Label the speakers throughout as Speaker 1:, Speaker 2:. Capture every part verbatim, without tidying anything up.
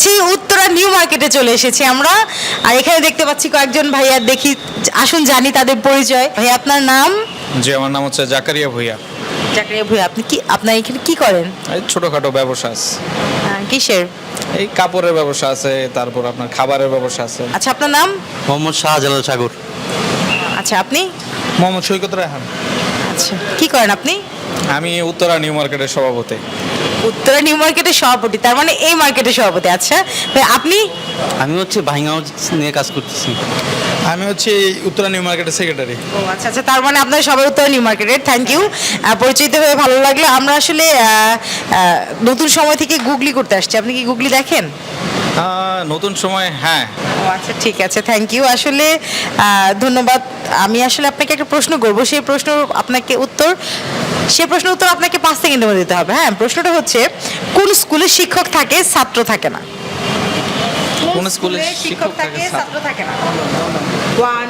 Speaker 1: পাচ্ছি উত্তরা নিউ মার্কেটে চলে এসেছি আমরা। আর এখানে দেখতে পাচ্ছি কয়েকজন ভাইয়া, দেখি আসুন জানি তাদের পরিচয়। ভাই আপনার নাম?
Speaker 2: জি, আমার নাম হচ্ছে জাকারিয়া ভুইয়া।
Speaker 1: জাকারিয়া ভুইয়া, আপনি কি আপনার এখানে কি করেন?
Speaker 2: এই ছোটোখাটো ব্যবসা আছে,
Speaker 1: আহ, কিসের?
Speaker 2: এই কাপড়ের ব্যবসা আছে, তারপর আপনার খাবারের ব্যবসা আছে।
Speaker 1: আচ্ছা, আপনার নাম?
Speaker 3: মোহাম্মদ শাহজালাল সাগর।
Speaker 1: আচ্ছা, আপনি?
Speaker 2: মোহাম্মদ সৈকত রায়হান।
Speaker 1: আচ্ছা, কি করেন আপনি?
Speaker 2: আমি উত্তরা নিউ মার্কেটের সভাপতি।
Speaker 1: উত্তরা নিউ মার্কেটের সভাপতি, তার মানে এই মার্কেটের সভাপতি। আচ্ছা ভাই, আপনি?
Speaker 3: আমি হচ্ছে ভাইঙ্গা নিয়ে কাজ করতেছি।
Speaker 2: আমি হচ্ছে উত্তরা নিউ মার্কেটের সেক্রেটারি।
Speaker 1: ও আচ্ছা আচ্ছা, তার মানে আপনারা সবাই উত্তরা নিউ মার্কেটের। থ্যাংক ইউ, পরিচিত হয়ে ভালো লাগলো। আমরা আসলে আহ, আহ, নতুন সময় থেকে গুগলি করতে আসছি। আপনি কি গুগলি দেখেন?
Speaker 2: আহ, নতুন সময়, হ্যাঁ।
Speaker 1: ও আচ্ছা, ঠিক আছে, থ্যাংক ইউ। আসলে আহ, ধন্যবাদ। আমি আসলে আপনাকে একটা প্রশ্ন করবো, সেই প্রশ্ন আপনাকে উত্তর সেই প্রশ্ন উত্তর আপনাকে পাঁচ সেকেন্ডের মধ্যে দিতে হবে। হ্যাঁ, প্রশ্নটা হচ্ছে কোন স্কুলে শিক্ষক থাকে ছাত্র থাকে না?
Speaker 2: কোন স্কুলে শিক্ষক থাকে
Speaker 1: ছাত্র থাকে না? ওয়ান,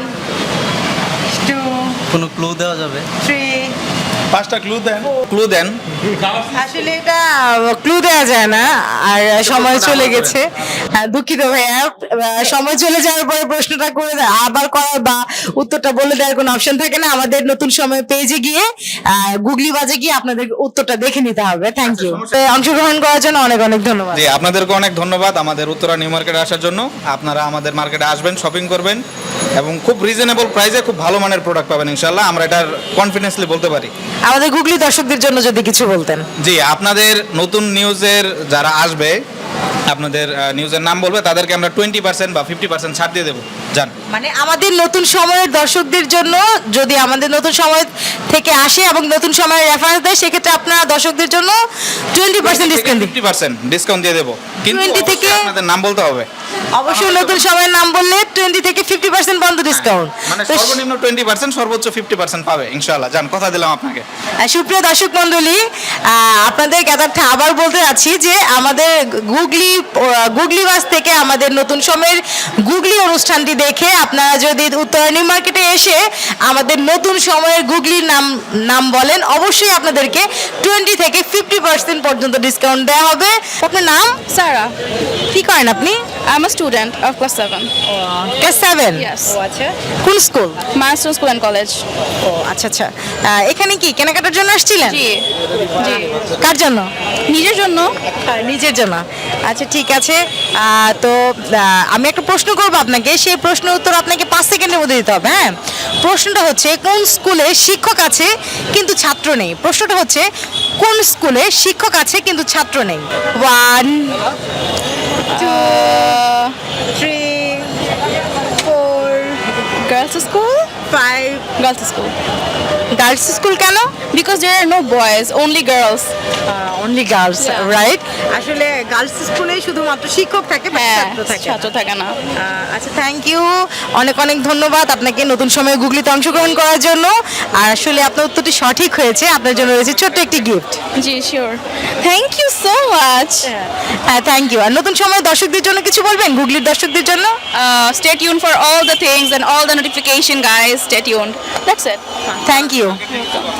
Speaker 1: টু,
Speaker 3: কোনো ক্লু দেওয়া যাবে?
Speaker 1: থ্রি।
Speaker 2: পাঁচটা ক্লু দেন, ক্লু দেন।
Speaker 1: আসলে এটা ক্লু দেওয়া যায় না, আর সময় চলে গেছে। হ্যাঁ, দুঃখিত ভাইয়া, আহ, সময় চলে যাওয়ার পরে প্রশ্নটা করে দেয় আবার করার বা উত্তরটা বলে দেওয়ার কোনো অপশন থাকে না। আমাদের নতুন সময় পেজে গিয়ে আহ, গুগলি বাজে গিয়ে আপনাদের উত্তরটা দেখে নিতে হবে। থ্যাংক ইউ, অংশগ্রহণ করার জন্য অনেক অনেক ধন্যবাদ।
Speaker 2: জি, আপনাদেরকে অনেক ধন্যবাদ আমাদের উত্তরা নিউ মার্কেটে আসার জন্য। আপনারা আমাদের মার্কেটে আসবেন, শপিং করবেন এবং খুব রিজনেবল প্রাইসে খুব ভালো মানের প্রোডাক্ট পাবেন ইনশাল্লাহ। আমরা এটার কনফিডেন্সলি বলতে পারি।
Speaker 1: আমাদের গুগলি দর্শকদের জন্য যদি কিছু বলতেন।
Speaker 2: জি, আপনাদের নতুন নিউজের যারা আসবে, আপনাদের আহ, নিউজের নাম বলবে, তাদেরকে আমরা টোয়েন্টি পার্সেন্ট বা ফিফটি পার্সেন্ট ছাড় দিয়ে দেবো। জান,
Speaker 1: মানে আমাদের নতুন সময়ের দর্শকদের জন্য যদি আমাদের নতুন সময় থেকে আসে এবং নতুন সময়ের রেফারেন্স দেয়, সেক্ষেত্রে আপনারা দর্শকদের জন্য টোয়েন্টি পার্সেন্ট ডিসকাউন্ট দিন।
Speaker 2: ফিফটি পার্সেন্ট ডিসকাউন্ট দিয়ে দেবো, কিন্তু
Speaker 1: টোয়েন্টি
Speaker 2: অবশ্যই
Speaker 1: থেকে
Speaker 2: আপনাদের নাম বলতে হবে।
Speaker 1: অবশ্যই নতুন সময়ের নাম বললে টোয়েন্টি থেকে ফিফটি পার্সেন্ট বন্ধ ডিসকাউন্ট।
Speaker 2: মানে সর্বনিম্ন টোয়েন্টি পার্সেন্ট, সর্বোচ্চ ফিফটি পার্সেন্ট পাবে ইনশাল্লাহ। জান, কথা দিলাম আপনাকে।
Speaker 1: সুপ্রিয় দর্শক মন্ডলী, আপনাদের জ্ঞাতার্থে আবার বলতে যাচ্ছি যে আমাদের গুগলি গুগলি বাস থেকে আমাদের নতুন সময়ের গুগলি অনুষ্ঠানটি দেখে আপনারা যদি উত্তরা নিউ মার্কেটে এসে আমাদের নতুন সময়ের গুগলির নাম নাম বলেন, অবশ্যই আপনাদেরকে টোয়েন্টি থেকে ফিফটি পার্সেন্ট পর্যন্ত ডিসকাউন্ট দেওয়া হবে। আপনার নাম?
Speaker 4: Sarah,
Speaker 1: কি করেন আপনি?
Speaker 4: I'm a student of class seven.
Speaker 1: Class seven?
Speaker 4: Yes.
Speaker 1: ও আচ্ছা, কোন school?
Speaker 4: Milestone School and College.
Speaker 1: ও আচ্ছা আচ্ছা, আহ, এখানে কি কেনাকাটার জন্য আসছিলেন?
Speaker 4: জি জি
Speaker 1: কার জন্য?
Speaker 4: নিজের জন্য।
Speaker 1: হ্যাঁ, নিজের জন্য। আচ্ছা, ঠিক আছে। আহ, তো আহ, আমি একটা প্রশ্ন করবো আপনাকে, সেই প্রশ্নের উত্তর আপনাকে পাঁচ সেকেন্ডের মধ্যে দিতে হবে। হ্যাঁ, প্রশ্নটা হচ্ছে কোন স্কুলে শিক্ষক আছে কিন্তু ছাত্র নেই? প্রশ্নটা হচ্ছে কোন স্কুলে শিক্ষক আছে কিন্তু ছাত্র নেই? One, two, three, four,
Speaker 4: Girls school?
Speaker 1: Five.
Speaker 4: Girls school.
Speaker 1: Girls school কেন?
Speaker 4: Because there are no boys, only girls.
Speaker 1: Only girls,
Speaker 4: Yeah.
Speaker 1: Right? আসলে গার্লস স্কুলে শুধুমাত্র শিক্ষক থাকে, but
Speaker 4: হ্যাঁ,
Speaker 1: ছাত্র থাকে না।
Speaker 4: ছাত্র থাকে না।
Speaker 1: আহ, আচ্ছা, থ্যাংক ইউ, অনেক অনেক ধন্যবাদ আপনাকে নতুন সময়ে গুগলিতে অংশগ্রহণ করার জন্য। আর আসলে আপনার উত্তরটি সঠিক হয়েছে, আপনার জন্য রয়েছে ছোট্ট একটি গিফট।
Speaker 4: জি, sure. Thank you so much.
Speaker 1: হ্যাঁ, থ্যাংক ইউ। আর নতুন সময় দর্শকদের জন্য কিছু বলবেন, গুগলির দর্শকদের জন্য?
Speaker 4: Stay tuned for all the things and all the notification, guys. Stay tuned. That's it.
Speaker 1: Thank you.